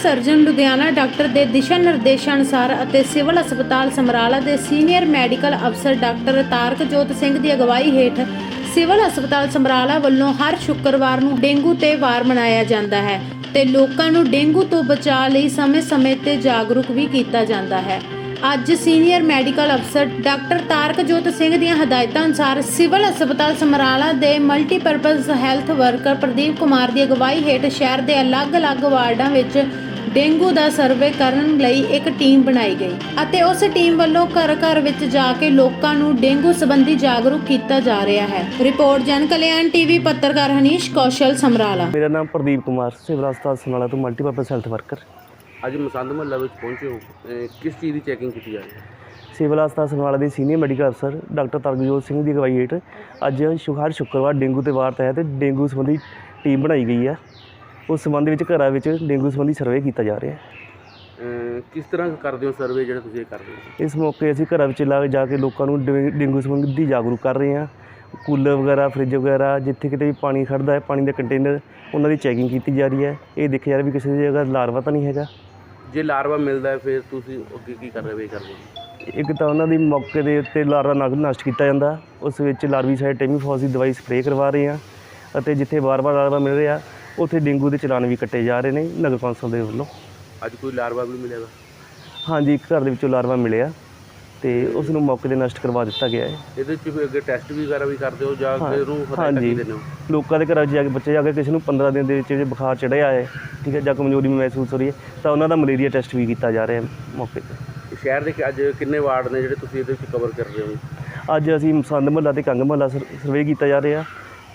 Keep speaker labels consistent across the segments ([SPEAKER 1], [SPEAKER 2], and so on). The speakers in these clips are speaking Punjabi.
[SPEAKER 1] ਸਰਜਨ ਲੁਧਿਆਣਾ ਡਾਕਟਰ ਦੇ ਦਿਸ਼ਾ ਨਿਰਦੇਸ਼ਾਂ ਅਨੁਸਾਰ ਅਤੇ ਸਿਵਲ ਹਸਪਤਾਲ ਸਮਰਾਲਾ ਦੇ ਸੀਨੀਅਰ ਮੈਡੀਕਲ ਅਫਸਰ ਡਾਕਟਰ ਤਾਰਕਜੋਤ ਸਿੰਘ ਦੀ ਅਗਵਾਈ ਹੇਠ ਸਿਵਲ ਹਸਪਤਾਲ ਸਮਰਾਲਾ ਵੱਲੋਂ ਹਰ ਸ਼ੁੱਕਰਵਾਰ ਨੂੰ ਡੇਂਗੂ ਤੇ ਵਾਰ ਮਨਾਇਆ ਜਾਂਦਾ ਹੈ ਤੇ ਲੋਕਾਂ ਨੂੰ ਡੇਂਗੂ ਤੋਂ ਬਚਾਅ ਲਈ ਸਮੇਂ-ਸਮੇਂ ਤੇ ਜਾਗਰੂਕ ਵੀ ਕੀਤਾ ਜਾਂਦਾ ਹੈ। ਅੱਜ ਸੀਨੀਅਰ ਮੈਡੀਕਲ ਅਫਸਰ ਡਾਕਟਰ ਤਾਰਕਜੋਤ ਸਿੰਘ ਦੀਆਂ ਹਦਾਇਤਾਂ ਅਨੁਸਾਰ ਸਿਵਲ ਹਸਪਤਾਲ ਸਮਰਾਲਾ ਦੇ multipurpose health worker Pradeep Kumar ਦੀ ਅਗਵਾਈ ਹੇਠ ਸ਼ਹਿਰ ਦੇ ਅਲੱਗ-ਅਲੱਗ ਵਾਰਡਾਂ ਵਿੱਚ ਡੇਂਗੂ ਦਾ ਸਰਵੇ ਕਰਨ ਲਈ ਇੱਕ ਟੀਮ ਬਣਾਈ ਗਈ ਅਤੇ ਉਸ ਟੀਮ ਵੱਲੋਂ ਘਰ-ਘਰ ਵਿੱਚ ਜਾ ਕੇ ਲੋਕਾਂ ਨੂੰ ਡੇਂਗੂ ਸੰਬੰਧੀ ਜਾਗਰੂਕ ਕੀਤਾ ਜਾ ਰਿਹਾ ਹੈ। ਰਿਪੋਰਟ ਜਨ ਕਲਿਆਣ ਟੀਵੀ ਪੱਤਰਕਾਰ ਹਨੀਸ਼ ਕੌਸ਼ਲ ਸਮਰਾਲਾ।
[SPEAKER 2] ਮੇਰਾ ਨਾਮ ਪ੍ਰਦੀਪ ਕੁਮਾਰ ਸਿਵਲ ਹਸਪਤਾਲ ਸਮਰਾਲਾ ਤੋਂ ਮਲਟੀਪਰਪਜ਼ ਹੈਲਥ ਵਰਕਰ।
[SPEAKER 3] ਅੱਜ ਮਸੰਦ ਮਹੱਲਾ ਵਿੱਚ ਪਹੁੰਚੇ ਹੋ, ਕਿਸ ਚੀਜ਼ ਦੀ ਚੈਕਿੰਗ ਕੀਤੀ ਜਾ ਰਹੀ ਹੈ?
[SPEAKER 2] ਸਿਵਲ ਹਸਪਤਾਲ ਸਮਰਾਲਾ ਦੇ ਸੀਨੀਅਰ ਮੈਡੀਕਲ ਅਫਸਰ ਡਾਕਟਰ ਤਾਰਕਜੋਤ ਸਿੰਘ ਦੀ ਅਗਵਾਈ ਹੇਠ ਅੱਜ ਹਰ ਸ਼ੁੱਕਰਵਾਰ ਡੇਂਗੂ ਤੇ ਵਾਰ ਤਹਿਤ ਡੇਂਗੂ ਸੰਬੰਧੀ ਟੀਮ ਬਣਾਈ ਗਈ ਹੈ। ਉਸ ਸੰਬੰਧ ਵਿੱਚ ਘਰਾਂ ਵਿੱਚ ਡੇਂਗੂ ਸੰਬੰਧੀ ਸਰਵੇ ਕੀਤਾ ਜਾ ਰਿਹਾ ਹੈ।
[SPEAKER 3] ਕਿਸ ਤਰ੍ਹਾਂ ਕਰਦੇ ਹੋ ਸਰਵੇ ਜਿਹੜਾ ਤੁਸੀਂ ਇਹ ਕਰਦੇ ਹੋ?
[SPEAKER 2] ਇਸ ਮੌਕੇ ਅਸੀਂ ਘਰਾਂ ਵਿੱਚ ਜਾ ਕੇ ਲੋਕਾਂ ਨੂੰ ਡੇਂਗੂ ਸੰਬੰਧੀ ਜਾਗਰੂਕ ਕਰ ਰਹੇ ਹਾਂ। ਕੂਲਰ ਵਗੈਰਾ, ਫਰਿੱਜ ਵਗੈਰਾ, ਜਿੱਥੇ ਕਿਤੇ ਵੀ ਪਾਣੀ ਖੜ੍ਹਦਾ ਹੈ, ਪਾਣੀ ਦੇ ਕੰਟੇਨਰ, ਉਹਨਾਂ ਦੀ ਚੈਕਿੰਗ ਕੀਤੀ ਜਾ ਰਹੀ ਹੈ। ਇਹ ਦੇਖਿਆ ਜਾ ਰਿਹਾ ਵੀ ਕਿਸੇ ਦੀ ਜਗ੍ਹਾ ਲਾਰਵਾ ਤਾਂ ਨਹੀਂ ਹੈਗਾ।
[SPEAKER 3] ਜੇ ਲਾਰਵਾ ਮਿਲਦਾ ਹੈ ਫਿਰ ਤੁਸੀਂ ਅੱਗੇ ਕੀ ਕਰਦੇ ਹੋ?
[SPEAKER 2] ਇੱਕ ਤਾਂ ਉਹਨਾਂ ਦੀ ਮੌਕੇ ਦੇ ਉੱਤੇ ਲਾਰਵਾ ਨਸ਼ਟ ਕੀਤਾ ਜਾਂਦਾ, ਉਸ ਵਿੱਚ ਲਾਰਵੀਸਾਈਡ ਟੈਮੀਫੋਸ ਦੀ ਦਵਾਈ ਸਪਰੇਅ ਕਰਵਾ ਰਹੇ ਹਾਂ ਅਤੇ ਜਿੱਥੇ ਵਾਰ-ਵਾਰ ਲਾਰਵਾ ਮਿਲ ਰਿਹਾ ਉੱਥੇ ਡੇਂਗੂ ਦੇ ਚਲਾਨ ਵੀ ਕੱਟੇ ਜਾ ਰਹੇ ਨੇ ਨਗਰ ਕੌਂਸਲ ਦੇ ਵੱਲੋਂ।
[SPEAKER 3] ਅੱਜ ਕੋਈ ਲਾਰਵਾ ਵੀ ਮਿਲਿਆ?
[SPEAKER 2] ਹਾਂਜੀ, ਇੱਕ ਘਰ ਦੇ ਵਿੱਚੋਂ ਲਾਰਵਾ ਮਿਲਿਆ ਤੇ ਉਸ ਨੂੰ ਮੌਕੇ ਤੇ ਨਸ਼ਟ ਕਰਵਾ ਦਿੱਤਾ ਗਿਆ ਹੈ।
[SPEAKER 3] ਇਹਦੇ 'ਚ ਅੱਗੇ ਟੈਸਟ ਵਗੈਰਾ ਵੀ ਕਰਦੇ ਹੋ ਜਾਂ ਫਿਰ ਉਹਨੂੰ
[SPEAKER 2] ਹਾਂਜੀ,
[SPEAKER 3] ਦਿੰਦੇ ਹੋ? ਲੋਕਾਂ
[SPEAKER 2] ਲੋਕਾਂ ਦੇ ਘਰਾਂ 'ਚ ਜਾ ਕੇ ਬੱਚੇ ਜਾ ਕੇ ਕਿਸੇ ਨੂੰ 15 ਦਿਨ ਦੇ ਵਿੱਚ ਜੇ ਬੁਖਾਰ ਚੜ੍ਹਿਆ ਹੈ, ਠੀਕ ਹੈ, ਜਾਂ ਕਮਜ਼ੋਰੀ ਮਹਿਸੂਸ ਹੋ ਰਹੀ ਹੈ ਤਾਂ ਉਹਨਾਂ ਦਾ ਮਲੇਰੀਆ ਟੈਸਟ ਵੀ ਕੀਤਾ ਜਾ ਰਿਹਾ ਹੈ ਮੌਕੇ 'ਤੇ।
[SPEAKER 3] ਸ਼ਹਿਰ ਦੇ ਅੱਜ ਕਿੰਨੇ ਵਾਰਡ ਨੇ ਜਿਹੜੇ ਤੁਸੀਂ ਇਹਦੇ ਵਿੱਚ ਕਵਰ ਕਰ ਰਹੇ ਹੋ?
[SPEAKER 2] ਅੱਜ ਅਸੀਂ ਮਸੰਦ ਮਹੱਲਾ ਤੇ ਕੰਗ ਮਹੱਲਾ ਸਰਵੇ ਕੀਤਾ ਜਾ ਰਿਹਾ।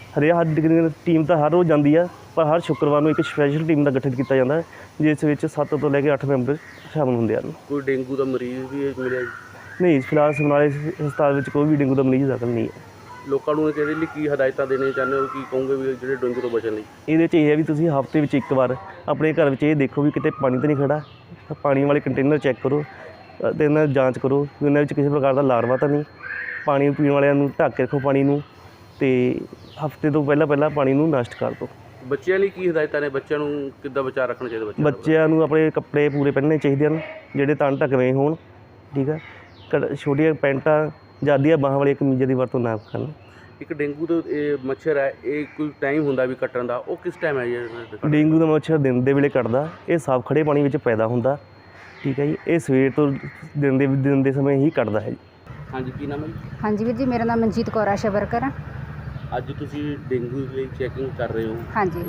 [SPEAKER 2] ਹਰ ਟੀਮ ਤਾਂ ਹਰ ਰੋਜ਼ ਜਾਂਦੀ ਆ, ਪਰ ਹਰ ਸ਼ੁੱਕਰਵਾਰ ਨੂੰ ਇੱਕ ਸਪੈਸ਼ਲ ਟੀਮ ਦਾ ਗਠਨ ਕੀਤਾ ਜਾਂਦਾ ਹੈ ਜਿਸ ਵਿੱਚ 7 ਤੋਂ ਲੈ ਕੇ 8 ਮੈਂਬਰ ਸ਼ਾਮਲ ਹੁੰਦੇ ਹਨ।
[SPEAKER 3] ਕੋਈ ਡੇਂਗੂ ਦਾ ਮਰੀਜ਼ ਵੀ ਮਿਲਿਆ ਜੀ?
[SPEAKER 2] ਨਹੀਂ, ਫਿਲਹਾਲ ਸਮਰਾਲੇ ਹਸਪਤਾਲ ਵਿੱਚ ਕੋਈ ਵੀ ਡੇਂਗੂ ਦਾ ਮਰੀਜ਼ ਦਾਖਲ ਨਹੀਂ ਹੈ।
[SPEAKER 3] ਲੋਕਾਂ ਨੂੰ ਇਹਦੇ ਲਈ ਕੀ ਹਦਾਇਤਾਂ ਦੇਣੀਆਂ ਚਾਹੁੰਦੇ ਹੋ, ਕੀ ਕਹੋਗੇ ਵੀ ਜਿਹੜੇ ਡੇਂਗੂ ਤੋਂ ਬਚਣ ਲਈ?
[SPEAKER 2] ਇਹਦੇ 'ਚ ਇਹ ਹੈ ਵੀ ਤੁਸੀਂ ਹਫ਼ਤੇ ਵਿੱਚ ਇੱਕ ਵਾਰ ਆਪਣੇ ਘਰ ਵਿੱਚ ਇਹ ਦੇਖੋ ਵੀ ਕਿਤੇ ਪਾਣੀ ਤਾਂ ਨਹੀਂ ਖੜਾ, ਪਾਣੀ ਵਾਲੇ ਕੰਟੇਨਰ ਚੈੱਕ ਕਰੋ ਅਤੇ ਇਹਨਾਂ ਦੀ ਜਾਂਚ ਕਰੋ ਵੀ ਉਹਨਾਂ ਵਿੱਚ ਕਿਸੇ ਪ੍ਰਕਾਰ ਦਾ ਲਾਰਵਾ ਤਾਂ ਨਹੀਂ। ਪਾਣੀ ਪੀਣ ਵਾਲਿਆਂ ਨੂੰ ਢੱਕ ਕੇ ਰੱਖੋ ਪਾਣੀ ਨੂੰ ਅਤੇ ਹਫ਼ਤੇ ਤੋਂ ਪਹਿਲਾਂ ਪਾਣੀ ਨੂੰ ਨਸ਼ਟ ਕਰ ਦਿਓ। ਬੱਚਿਆਂ
[SPEAKER 3] ਲਈ ਕੀ ਹਦਾਇਤਾਂ ਨੇ? ਬੱਚਿਆਂ ਨੂੰ ਕਿੱਦਾਂ ਬਚਾਅ ਰੱਖਣਾ ਚਾਹੀਦਾ?
[SPEAKER 2] ਬੱਚਿਆਂ ਨੂੰ ਆਪਣੇ ਕੱਪੜੇ ਪੂਰੇ ਪਹਿਨਣੇ ਚਾਹੀਦੇ ਹਨ ਜਿਹੜੇ ਤਣ ਢੱਕਵੇਂ ਹੋਣ, ਠੀਕ ਹੈ। ਛੋਟੀਆਂ ਪੈਂਟਾਂ ਜਾਂ ਅੱਧੀਆਂ ਬਾਹਾਂ ਵਾਲੀਆਂ ਕਮੀਜ਼ਾਂ ਦੀ ਵਰਤੋਂ ਨਾ ਕਰਨ।
[SPEAKER 3] ਇੱਕ ਡੇਂਗੂ ਦਾ ਇਹ ਮੱਛਰ ਹੈ, ਇਹ ਕੋਈ ਟਾਈਮ ਹੁੰਦਾ ਵੀ ਕੱਟਣ ਦਾ, ਉਹ ਕਿਸ ਟਾਈਮ ਹੈ ਜੀ?
[SPEAKER 2] ਡੇਂਗੂ ਦਾ ਮੱਛਰ ਦਿਨ ਦੇ ਵੇਲੇ ਕੱਟਦਾ, ਇਹ ਸਾਫ਼ ਖੜੇ ਪਾਣੀ ਵਿੱਚ ਪੈਦਾ ਹੁੰਦਾ, ਠੀਕ ਹੈ ਜੀ। ਇਹ ਸਵੇਰ ਤੋਂ ਦਿਨ ਦੇ ਸਮੇਂ ਹੀ ਕੱਟਦਾ ਹੈ ਜੀ।
[SPEAKER 3] ਹਾਂਜੀ, ਕੀ ਨਾਮ ਹੈ ਜੀ?
[SPEAKER 4] ਹਾਂਜੀ ਵੀਰ ਜੀ, ਮੇਰਾ ਨਾਮ ਮਨਜੀਤ ਕੌਰ ਆਸ਼ਾ ਵਰਕਰ ਆ।
[SPEAKER 3] ਅੱਜ ਤੁਸੀਂ ਡੇਂਗੂ ਲਈ ਚੈਕਿੰਗ ਕਰ ਰਹੇ ਹੋ?
[SPEAKER 4] ਹਾਂਜੀ।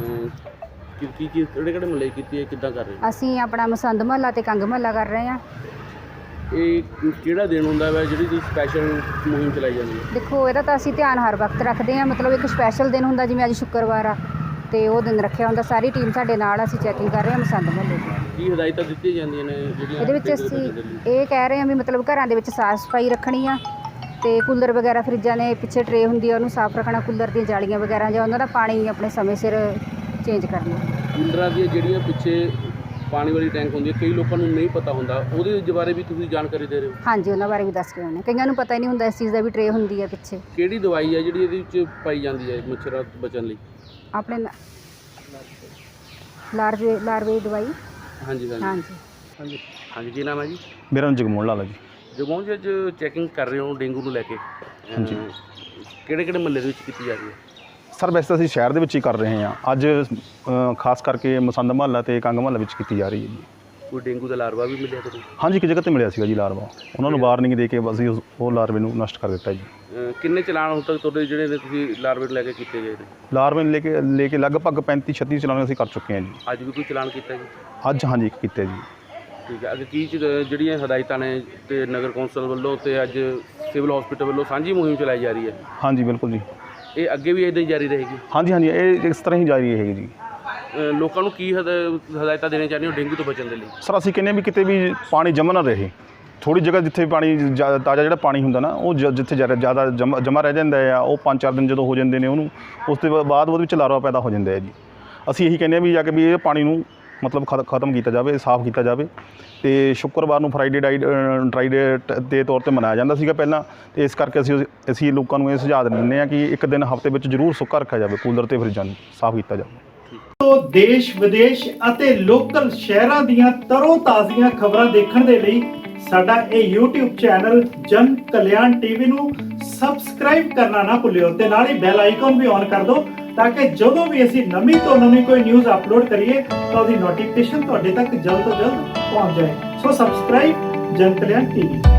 [SPEAKER 3] ਕੀ ਕਿਹੜੇ ਮੁਹੱਲੇ ਕੀਤੀ ਹੈ, ਕਿੱਦਾਂ ਕਰ ਰਹੇ ਹੋ?
[SPEAKER 4] ਅਸੀਂ ਆਪਣਾ ਮਸੰਦ ਮਹੱਲਾ ਤੇ ਕੰਗ ਮਹੱਲਾ ਕਰ ਰਹੇ ਹਾਂ।
[SPEAKER 3] ਇਹ ਕਿਹੜਾ ਦਿਨ ਹੁੰਦਾ ਵਾ ਜਿਹੜੀ ਤੁਸੀਂ ਸਪੈਸ਼ਲ ਮੁਹਿੰਮ ਚਲਾਈ ਜਾਂਦੀ ਹੈ?
[SPEAKER 4] ਦੇਖੋ, ਇਹਦਾ ਤਾਂ ਅਸੀਂ ਧਿਆਨ ਹਰ ਵਕਤ ਰੱਖਦੇ ਹਾਂ। ਮਤਲਬ ਇੱਕ ਸਪੈਸ਼ਲ ਦਿਨ ਹੁੰਦਾ, ਜਿਵੇਂ ਅੱਜ ਸ਼ੁੱਕਰਵਾਰ ਆ ਅਤੇ ਉਹ ਦਿਨ ਰੱਖਿਆ ਹੁੰਦਾ। ਸਾਰੀ ਟੀਮ ਸਾਡੇ ਨਾਲ, ਅਸੀਂ ਚੈਕਿੰਗ ਕਰ ਰਹੇ ਹਾਂ ਮਸੰਦ ਮਹੱਲੇ ਦੀ।
[SPEAKER 3] ਕੀ ਹਦਾਇਤਾਂ ਦਿੱਤੀਆਂ ਜਾਂਦੀਆਂ ਨੇ ਜਿਹੜੀਆਂ
[SPEAKER 4] ਇਹਦੇ ਵਿੱਚ ਅਸੀਂ ਇਹ ਕਹਿ ਰਹੇ ਹਾਂ ਵੀ ਮਤਲਬ ਘਰਾਂ ਦੇ ਵਿੱਚ ਸਾਫ਼ ਸਫਾਈ ਰੱਖਣੀ ਆ ਅਤੇ ਕੂਲਰ ਵਗੈਰਾ, ਫਰਿੱਜਾਂ ਦੇ ਪਿੱਛੇ ਟਰੇ ਹੁੰਦੀ ਆ ਉਹਨੂੰ ਸਾਫ਼ ਰੱਖਣਾ। ਕੂਲਰ ਦੀਆਂ ਜਾਲੀਆਂ ਵਗੈਰਾ ਜਾਂ ਉਹਨਾਂ ਦਾ ਪਾਣੀ ਆਪਣੇ ਸਮੇਂ ਸਿਰ ਚੇਂਜ ਕਰਨਾ।
[SPEAKER 3] ਕੂਲਰਾਂ ਦੀਆਂ ਜਿਹੜੀਆਂ ਪਿੱਛੇ ਪਾਣੀ ਵਾਲੀ ਟੈਂਕ ਹੁੰਦੀ ਹੈ, ਕਈ ਲੋਕਾਂ ਨੂੰ ਨਹੀਂ ਪਤਾ ਹੁੰਦਾ, ਉਹਦੇ ਬਾਰੇ ਵੀ ਤੁਸੀਂ ਜਾਣਕਾਰੀ ਦੇ ਰਹੇ ਹੋ?
[SPEAKER 4] ਹਾਂਜੀ, ਉਹਨਾਂ ਬਾਰੇ ਵੀ ਦੱਸ ਰਹੇ ਨੇ। ਕਈਆਂ ਨੂੰ ਪਤਾ ਹੀ ਨਹੀਂ ਹੁੰਦਾ ਇਸ ਚੀਜ਼ ਦਾ ਵੀ ਟਰੇ ਹੁੰਦੀ ਹੈ ਪਿੱਛੇ।
[SPEAKER 3] ਕਿਹੜੀ ਦਵਾਈ ਹੈ ਜਿਹੜੀ ਇਹਦੇ ਵਿੱਚ ਪਾਈ ਜਾਂਦੀ ਹੈ ਮੱਛਰਾਂ ਤੋਂ ਬਚਣ ਲਈ?
[SPEAKER 4] ਆਪਣੇ ਲਾਰਵੇ ਦੀ ਦਵਾਈ।
[SPEAKER 3] ਹਾਂਜੀ ਹਾਂਜੀ
[SPEAKER 4] ਹਾਂਜੀ
[SPEAKER 3] ਹਾਂਜੀ ਹਾਂਜੀ। ਕੀ ਨਾਮ ਹੈ ਜੀ?
[SPEAKER 2] ਮੇਰਾ ਨਾਮ ਜਗਮੋਹਨ ਲਾਲ ਹੈ ਜੀ।
[SPEAKER 3] ਜਗਮੋਹਨ ਜੀ, ਅੱਜ ਚੈਕਿੰਗ ਕਰ ਰਹੇ ਹੋ ਡੇਂਗੂ ਨੂੰ ਲੈ ਕੇ,
[SPEAKER 2] ਹਾਂਜੀ,
[SPEAKER 3] ਕਿਹੜੇ ਮੁਹੱਲੇ ਦੇ ਵਿੱਚ ਕੀਤੀ ਜਾ ਰਹੀ ਹੈ?
[SPEAKER 5] ਸਰ, ਵੈਸੇ ਤਾਂ ਅਸੀਂ ਸ਼ਹਿਰ ਦੇ ਵਿੱਚ ਹੀ ਕਰ ਰਹੇ ਹਾਂ। ਅੱਜ ਖਾਸ ਕਰਕੇ ਮਸੰਦ ਮਹੱਲਾ ਅਤੇ ਕੰਗ ਮਹੱਲਾ ਵਿੱਚ ਕੀਤੀ ਜਾ ਰਹੀ ਹੈ ਜੀ।
[SPEAKER 3] ਕੋਈ ਡੇਂਗੂ ਦਾ ਲਾਰਵਾ ਵੀ ਮਿਲਿਆ ਤੁਹਾਨੂੰ?
[SPEAKER 5] ਹਾਂਜੀ, ਇੱਕ ਜਗ੍ਹਾ 'ਤੇ ਮਿਲਿਆ ਸੀਗਾ ਜੀ ਲਾਰਵਾ। ਉਹਨਾਂ ਨੂੰ ਵਾਰਨਿੰਗ ਦੇ ਕੇ ਅਸੀਂ ਉਹ ਲਾਰਵੇ ਨੂੰ ਨਸ਼ਟ ਕਰ ਦਿੱਤਾ ਜੀ।
[SPEAKER 3] ਕਿੰਨੇ ਚਲਾਨ ਹੁਣ ਤੱਕ ਤੁਹਾਡੇ ਜਿਹੜੇ ਨੇ ਤੁਸੀਂ ਲਾਰਵੇ ਨੂੰ ਲੈ ਕੇ ਕੀਤੇ ਗਏ ਨੇ?
[SPEAKER 5] ਲਾਰਵੇ ਨੂੰ ਲੈ ਕੇ ਲਗਭਗ 35-36 ਚਲਾਨ ਅਸੀਂ ਕਰ ਚੁੱਕੇ ਹਾਂ ਜੀ।
[SPEAKER 3] ਅੱਜ ਵੀ ਕੋਈ ਚਲਾਨ ਕੀਤਾ ਜੀ?
[SPEAKER 5] ਅੱਜ ਹਾਂਜੀ, ਇੱਕ ਕੀਤਾ ਜੀ।
[SPEAKER 3] ਠੀਕ ਹੈ। ਅੱਗੇ ਕੀ ਜਿਹੜੀਆਂ ਹਦਾਇਤਾਂ ਨੇ ਅਤੇ ਨਗਰ ਕੌਂਸਲ ਵੱਲੋਂ ਅਤੇ ਅੱਜ ਸਿਵਲ ਹਸਪੀਟਲ ਵੱਲੋਂ ਸਾਂਝੀ ਮੁਹਿੰਮ ਚਲਾਈ ਜਾ ਰਹੀ ਹੈ?
[SPEAKER 5] ਹਾਂਜੀ, ਬਿਲਕੁਲ ਜੀ।
[SPEAKER 3] ਇਹ ਅੱਗੇ ਵੀ ਇੱਦਾਂ ਹੀ ਜਾਰੀ ਰਹੇਗੀ?
[SPEAKER 5] ਹਾਂਜੀ ਹਾਂਜੀ, ਇਹ ਇਸ ਤਰ੍ਹਾਂ ਹੀ ਜਾਰੀ ਰਹੇਗੀ ਜੀ।
[SPEAKER 3] ਲੋਕਾਂ ਨੂੰ ਕੀ ਹਦਾਇਤਾਂ ਦੇਣੀਆਂ ਚਾਹੁੰਦੇ ਹੋ ਡੇਂਗੂ ਤੋਂ ਬਚਣ ਦੇ ਲਈ?
[SPEAKER 5] ਸਰ, ਅਸੀਂ ਕਹਿੰਦੇ ਵੀ ਕਿਤੇ ਵੀ ਪਾਣੀ ਜਮ੍ਹਾਂ ਨਾ ਰਹੇ। ਥੋੜ੍ਹੀ ਜਗ੍ਹਾ ਜਿੱਥੇ ਪਾਣੀ ਤਾਜ਼ਾ ਜਿਹੜਾ ਪਾਣੀ ਹੁੰਦਾ ਨਾ, ਉਹ ਜਿੱਥੇ ਜ਼ਿਆਦਾ ਜਮ੍ਹਾਂ ਰਹਿ ਜਾਂਦਾ ਆ, ਉਹ 5-4 ਦਿਨ ਜਦੋਂ ਹੋ ਜਾਂਦੇ ਨੇ ਉਹਨੂੰ, ਉਸ ਤੋਂ ਬਾਅਦ ਉਹਦੇ ਵਿੱਚ ਲਾਰਵਾ ਪੈਦਾ ਹੋ ਜਾਂਦਾ ਹੈ ਜੀ। ਅਸੀਂ ਇਹੀ ਕਹਿੰਦੇ ਹਾਂ ਵੀ ਜਾ ਕੇ ਵੀ ਇਹ ਪਾਣੀ ਨੂੰ ਮਤਲਬ ਖਤਮ ਕੀਤਾ ਜਾਵੇ, ਸਾਫ਼ ਕੀਤਾ ਜਾਵੇ। ਅਤੇ ਸ਼ੁੱਕਰਵਾਰ ਨੂੰ ਫਰਾਈਡੇ ਡਰਾਈ ਡੇ ਦੇ ਤੌਰ 'ਤੇ ਮਨਾਇਆ ਜਾਂਦਾ ਸੀਗਾ ਪਹਿਲਾਂ, ਅਤੇ ਇਸ ਕਰਕੇ ਅਸੀਂ ਲੋਕਾਂ ਨੂੰ ਇਹ ਸੁਝਾਅ ਦਿੰਦੇ ਹਾਂ ਕਿ ਇੱਕ ਦਿਨ ਹਫ਼ਤੇ ਵਿੱਚ ਜ਼ਰੂਰ ਸੁੱਕਾ ਰੱਖਿਆ ਜਾਵੇ, ਕੂਲਰ ਅਤੇ ਫਰਿੱਜਾਂ ਨੂੰ ਸਾਫ਼ ਕੀਤਾ ਜਾਵੇ।
[SPEAKER 6] ਤੋਂ ਦੇਸ਼ ਵਿਦੇਸ਼ ਅਤੇ ਲੋਕਲ ਸ਼ਹਿਰਾਂ ਦੀਆਂ ਤਰੋ ਤਾਜ਼ੀਆਂ ਖਬਰਾਂ ਦੇਖਣ ਦੇ ਲਈ ਸਾਡਾ ਇਹ YouTube ਚੈਨਲ ਜਨ ਕਲਿਆਣ ਟੀਵੀ ਨੂੰ ਸਬਸਕ੍ਰਾਈਬ ਕਰਨਾ ਨਾ ਭੁੱਲਿਓ ਤੇ ਨਾਲ ਹੀ ਬੈਲ ਆਈਕਨ ਵੀ ਔਨ ਕਰ ਦਿਓ ਤਾਂ ਕਿ ਜਦੋਂ ਵੀ ਅਸੀਂ ਨਵੀਂ ਤੋਂ ਨਵੀਂ ਕੋਈ ਨਿਊਜ਼ ਅਪਲੋਡ ਕਰੀਏ ਤਾਂ ਉਹਦੀ ਨੋਟੀਫਿਕੇਸ਼ਨ ਤੁਹਾਡੇ ਤੱਕ ਜਲਦ ਤੋਂ ਜਲਦ ਪਹੁੰਚ ਜਾਏ। ਸੋ ਸਬਸਕ੍ਰਾਈਬ ਜਨ ਕਲਿਆਣ ਟੀਵੀ।